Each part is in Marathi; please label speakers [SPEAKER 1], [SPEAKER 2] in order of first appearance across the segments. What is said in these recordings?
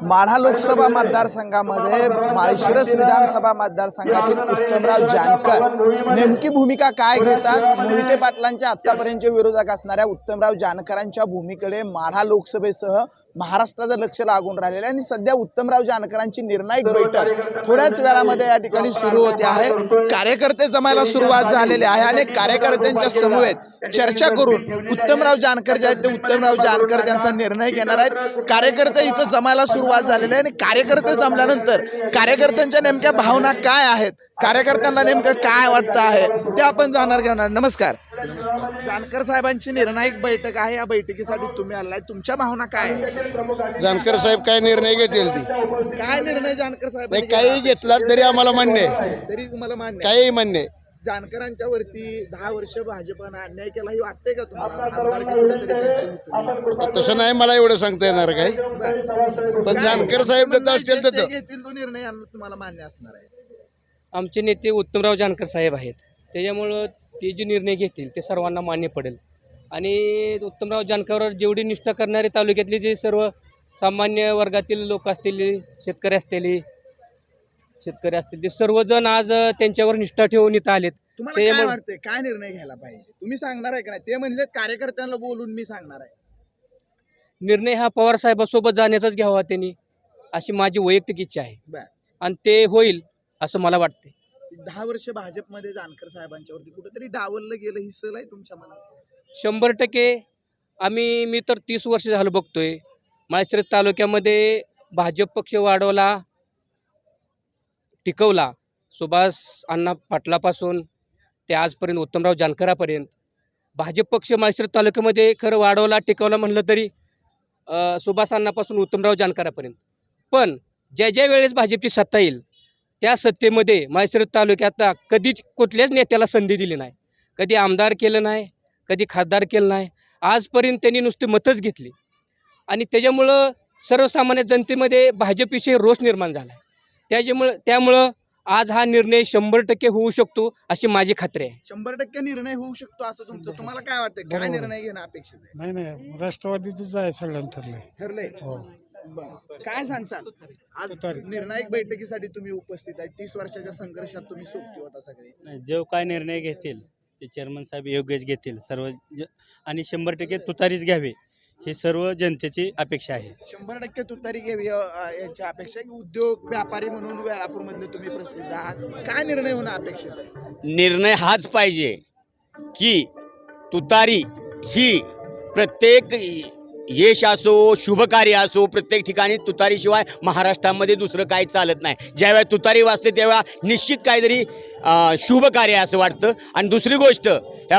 [SPEAKER 1] माढा लोकसभा मतदारसंघामध्ये माळशिरस विधानसभा मतदारसंघातील उत्तमराव जानकर नेमकी भूमिका काय घेतात? मोहिते पाटलांच्या आतापर्यंतचे विरोधक असणाऱ्या उत्तमराव जानकरांच्या भूमिकेकडे माढा लोकसभेसह महाराष्ट्राचं लक्ष लागून राहिलेलं आहे आणि सध्या उत्तमराव जानकरांची निर्णायक बैठक थोड्याच वेळामध्ये या ठिकाणी सुरू होते आहे। कार्यकर्ते जमायला सुरुवात झालेली आहे आणि कार्यकर्त्यांच्या समवेत चर्चा करून उत्तमराव जानकर जे आहेत ते उत्तमराव जानकर त्यांचा निर्णय घेणार आहेत। कार्यकर्ते इथं जमायला सुरुवात झालेली आहे आणि कार्यकर्ते जमल्यानंतर कार्यकर्त्यांच्या नेमक्या भावना काय आहेत, कार्यकर्त्यांना नेमकं काय वाटतं आहे ते आपण जाणार घेणार। नमस्कार, जानकर साहेबांची निर्णायक बैठक आहे, या बैठकीसाठी तुम्ही आलाय, तुमच्या भावना काय आहे?
[SPEAKER 2] जानकर साहेब काय निर्णय घेतील ती
[SPEAKER 1] काय निर्णय जानकर साहेब
[SPEAKER 2] काही घेतला तरी आम्हाला मान्य आहे,
[SPEAKER 1] तरी तुम्हाला मान्य
[SPEAKER 2] काही मान्य आहे।
[SPEAKER 1] जानकरांच्या वरती 10 वर्ष भाजपनं अन्याय केला, ही वाटतंय का तुम्हाला? आमदारकी
[SPEAKER 2] तसं नाही मला एवढं सांगता येणार काही, पण जानकर साहेब देत असतील तर
[SPEAKER 1] घेतील तो निर्णय तुम्हाला मान्य असणार आहे?
[SPEAKER 3] आमचे नेते उत्तमराव जानकर साहेब आहेत, त्याच्यामुळं ते जे निर्णय घेतील ते सर्वांना मान्य पडेल। आणि उत्तमराव जानकरवर जेवढी निष्ठा करणारे तालुक्यातले जे सर्व सामान्य वर्गातील लोक असतील, शेतकरी असतील ते सर्वजण आज त्यांच्यावर निष्ठा ठेवून इथं आलेत।
[SPEAKER 1] तुम्हाला काय वाटतंय, काय निर्णय घ्यायला पाहिजे? तुम्ही सांगणार आहे का नाही? ते म्हणजे कार्यकर्त्यांना बोलून मी सांगणार आहे।
[SPEAKER 3] निर्णय हा पवार साहेबांसोबत जाण्याचाच घ्यावा त्यांनी, अशी माझी वैयक्तिक इच्छा आहे आणि ते होईल असं मला वाटते।
[SPEAKER 1] 10 वर्ष भाजपमध्ये जानकर साहेबांच्यावरती कुठेतरी डावललं गेलं, ही सल आहे तुमच्या मनात?
[SPEAKER 3] 100% मी तर 30 वर्ष झालं बघतोय माळशिरस तालुक्यामध्ये भाजप पक्ष वाढवला, टिकवला, सुभाष अण्णा पाटलापासून ते आजपर्यंत उत्तमराव जानकरापर्यंत भाजप पक्ष माळशिरस तालुक्यामध्ये खरं वाढवला टिकवला म्हणलं तरी सुभाष अण्णापासून उत्तमराव जानकरापर्यंत। पण ज्या वेळेस भाजपची सत्ता येईल त्या सत्तेमध्ये माळशिरस तालुक्यात कधीच कुठल्याच नेत्याला संधी दिली नाही, कधी आमदार केलं नाही, कधी खासदार केलं नाही, आजपर्यंत त्यांनी नुसती मतच घेतली आणि त्याच्यामुळं सर्वसामान्य जनतेमध्ये भाजपविषयी रोष निर्माण झाला आहे। त्यामुळं आज हा निर्णय 100% होऊ शकतो अशी माझी खात्री आहे।
[SPEAKER 1] 100% निर्णय होऊ शकतो असं तुमचं, तुम्हाला काय वाटतं? काय निर्णय घेणं अपेक्षित आहे?
[SPEAKER 2] नाही राष्ट्रवादीच आहे, सगळ्यांना
[SPEAKER 1] ठरलंय। काय सांगचाल? आज निर्णायक बैठकीसाठी तुम्ही उपस्थित आहे, 30 वर्षाच्या संघर्षात तुम्ही सोबती होता सगळे।
[SPEAKER 4] जो काय निर्णय घेतील ते चेअरमन साहेब योग्यच घेतील सर्व आणि 100% तुतारीच घ्यावी ही सर्व जनतेची अपेक्षा आहे।
[SPEAKER 1] 100% तुतारी घ्यावी याची अपेक्षा आहे। उद्योग व्यापारी म्हणून वेळापूर मधले तुम्ही प्रसिद्ध आहात, काय निर्णय होणं अपेक्षित आहे?
[SPEAKER 5] निर्णय हाच पाहिजे की तुतारी ही प्रत्येक यश असो, शुभकार्य असो, प्रत्येक ठिकाणी तुतारीशिवाय महाराष्ट्रामध्ये दुसरं काही चालत नाही। ज्यावेळेला तुतारी वाजते तेव्हा निश्चित काहीतरी शुभकार्य असं वाटतं। आणि दुसरी गोष्ट, या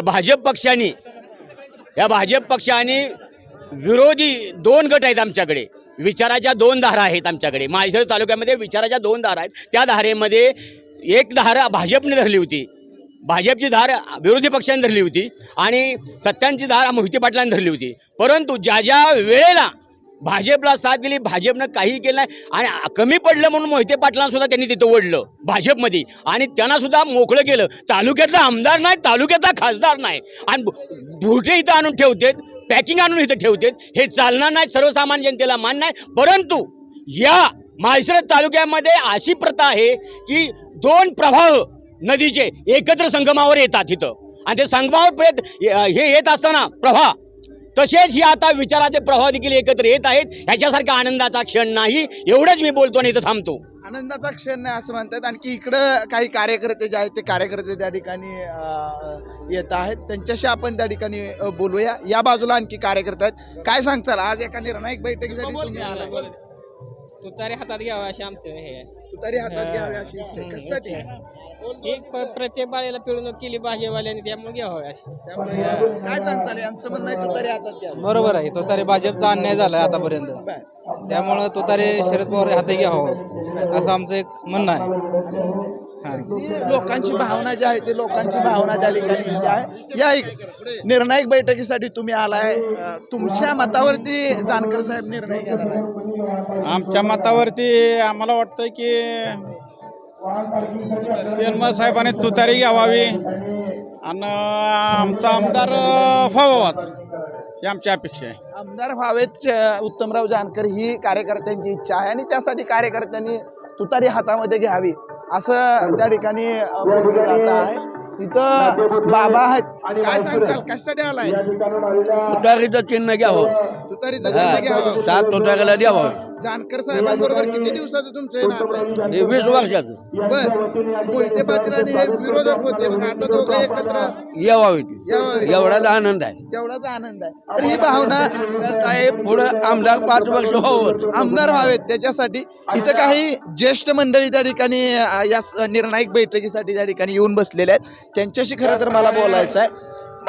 [SPEAKER 5] भाजप पक्षाने विरोधी 2 गट आहेत आमच्याकडे, विचाराच्या 2 धारा आहेत आमच्याकडे। माळशिरस तालुक्यामध्ये विचाराच्या 2 धारा आहेत, त्या धारेमध्ये एक धारा भाजपने धरली होती, भाजपची धार विरोधी पक्षाने धरली होती आणि सत्यांची धार मोहिते पाटलांनी धरली होती। परंतु ज्या वेळेला भाजपला साथ दिली, भाजपनं काही केलं नाही आणि कमी पडलं म्हणून मोहिते पाटलांना सुद्धा त्यांनी तिथं ओढलं भाजपमध्ये आणि त्यांना सुद्धा मोकळं केलं। तालुक्यातला आमदार नाही, तालुक्यातला खासदार नाही आणि भुटे इथं आणून ठेवतात, पॅकिंग आणून इथं ठेवतात, हे चालणार नाही, सर्वसामान्य जनतेला मान नाही। परंतु या माळशिरस तालुक्यामध्ये अशी प्रथा आहे की 2 प्रवाह नदीचे एकत्र संगमावर येतात इथं आणि ते संगमावर हे येत असताना प्रवाह तसेच हे आता विचाराचे प्रवाह देखील एकत्र येत आहेत। ह्याच्यासारखा आनंदाचा क्षण नाही, एवढंच मी बोलतो आणि इथं थांबतो।
[SPEAKER 1] आनंदाचा क्षण नाही असं म्हणतात। आणखी इकडं काही कार्यकर्ते जे आहेत ते कार्यकर्ते त्या ठिकाणी येत आहेत, त्यांच्याशी आपण त्या ठिकाणी बोलूया। या बाजूला आणखी कार्यकर्ते आहेत, काय सांगचाल? आज एका निर्णायक बैठकीसाठी तुम्ही आला,
[SPEAKER 3] तुतारी हातात घ्यावा अशी आमचं हे,
[SPEAKER 1] तुतारी हातात घ्यावी अशी इच्छा आहे, कशासाठी?
[SPEAKER 3] प्रत्येक बाळेला पिळवणूक केली भाजपवाल्यांनी, त्यामुळे घ्यावं अशी।
[SPEAKER 1] त्यामुळे काय सांगताल? यांचं म्हणणं आहे तुतारी हातात घ्यावी।
[SPEAKER 6] बरोबर आहे, तुतारी भाजपचा अन्याय झालाय आतापर्यंत, त्यामुळे तुतारी शरद पवार हाती घ्यावं असं आमचं एक म्हणणं आहे।
[SPEAKER 1] लोकांची भावना जी आहे ते लोकांची भावना त्या ठिकाणी येते आहे। या निर्णायक बैठकीसाठी तुम्ही आलाय, तुमच्या मतावरती जानकर साहेब निर्णय घेणार आहे?
[SPEAKER 6] आमच्या मतावरती आम्हाला वाटतं की चेअरमन साहेबांनी तुतारी घ्यावावी आणि आमचा आमदार व्हावाच ही आमची अपेक्षा आहे।
[SPEAKER 1] आमदार व्हावेच उत्तमराव जानकर ही कार्यकर्त्यांची इच्छा आहे आणि त्यासाठी कार्यकर्त्यांनी तुतारी हातामध्ये घ्यावी असं त्या ठिकाणी बोललं जात आहे. इथं बाबा आहेत, काय सांगताल कशासाठी आलाय?
[SPEAKER 7] तुतारीचं चिन्ह घ्यावं,
[SPEAKER 1] तुतारीचं चिन्ह घ्यावं.
[SPEAKER 7] 7 तुतारीला द्यावं.
[SPEAKER 1] जानकर साहेबांबरोबर किती दिवसाचं तुमचं हे नातं आहे?
[SPEAKER 7] हे 20 वर्षाचं
[SPEAKER 1] बर, मोहिते पाटील आणि हे विरोधक होते, मग आता दोघं एकत्र
[SPEAKER 7] यावं.
[SPEAKER 1] यावं.
[SPEAKER 7] एवढाच आनंद आहे.
[SPEAKER 1] तेवढाच आनंद आहे. तर ही भावना
[SPEAKER 7] काय पुढं आमदार 5 वर्ष व्हावं.
[SPEAKER 1] आमदार व्हावेत त्याच्यासाठी इथं काही ज्येष्ठ मंडळी त्या ठिकाणी या निर्णायक बैठकीसाठी त्या ठिकाणी येऊन बसलेले आहेत. त्यांच्याशी खरं तर मला बोलायचं आहे.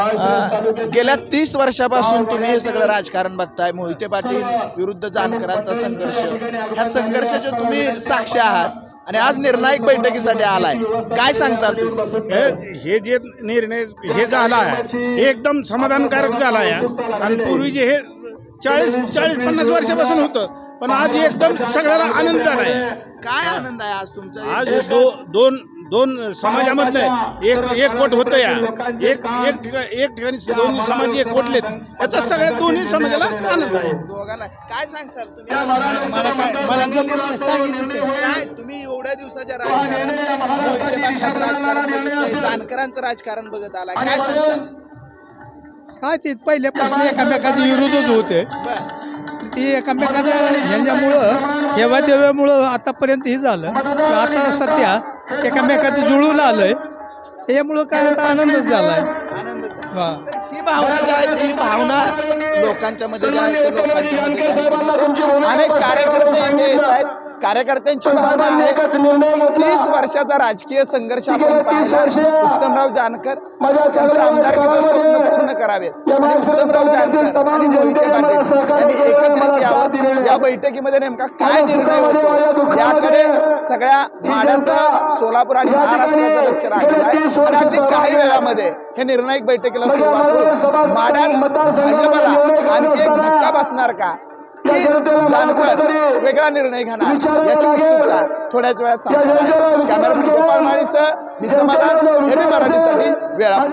[SPEAKER 1] गेल्या 30 वर्षापासून तुम्ही हे सगळं राजकारण बघताय. मोहिते पाटील विरुद्ध जानकरांचा संघर्ष, ह्या संघर्षाचे तुम्ही साक्षी आहात आणि आज निर्णायक बैठकीसाठी आलाय. काय सांगताल तुम्ही?
[SPEAKER 8] हे जे निर्णय हे झाला आहे हे एकदम समाधानकारक झाला आहे. आणि पूर्वी जे हे 40-50 वर्षापासून होतं, पण आज एकदम सगळ्याला आनंद झाला आहे.
[SPEAKER 1] काय आनंद आहे आज तुमचा?
[SPEAKER 8] आज दोन समाजामधनं एक कोट होतं या एक ठिकाणी दोन्ही समाज एक कोटलेत, याचा सगळ्या दोन्ही समाजाला आनंद आहे.
[SPEAKER 1] दोघांना काय सांगताल तुम्ही?
[SPEAKER 8] मला जमत नाही, सांगितलं ते.
[SPEAKER 1] काय तुम्ही एवढ्या दिवसाच्या राजकारणात मोहिते पाटलांचं राजकारण बघितलंय, जानकरांचं राजकारण बघत आलाय, काय सांगताल?
[SPEAKER 9] काय ते पहिल्यापासून एकामेकाचे विरोधच होते.
[SPEAKER 1] बर,
[SPEAKER 9] ते एकामेकाच्या ह्याच्यामुळं तेव्हा आतापर्यंत हे झालं. आता सध्या एकामेकाचं जुळून आलंय, त्यामुळं काय आता आनंदच झालाय.
[SPEAKER 1] आनंदच आहे.
[SPEAKER 9] हा.
[SPEAKER 1] तर ही भावना जी आहे ही भावना लोकांच्या मध्ये जी आहे ते लोकांच्या मध्ये त्या ठिकाणी इथे अनेक कार्यकर्ते इथे येत आहेत. कार्यकर्त्यांची भावना आहे 30 वर्षाचा राजकीय संघर्ष आपण पाहिला. उत्तमराव जानकर त्यांचं आमदारकीचं स्वप्न पूर्ण करावेत आणि उत्तमराव जानकर आणि मोहिते पाटील यांनी एकत्रित यावं. या बैठकीमध्ये नेमका काय निर्णय होतो याकडे सगळ्या माड्याचं, सोलापूर आणि महाराष्ट्राचं लक्ष राहिलं आहे. आणि अगदी काही वेळामध्ये हे निर्णायक बैठकीला सुरुवात होईल. माड्यात भाजपला आणखी एक धक्का बसणार का, की जानकर वेगळा निर्णय घेणार, याची उत्सुकता थोड्याच वेळात संपणार आहे. कॅमेरामन गोपाळ माळीसह मी समाधान, एबी मराठीसाठी वेळा.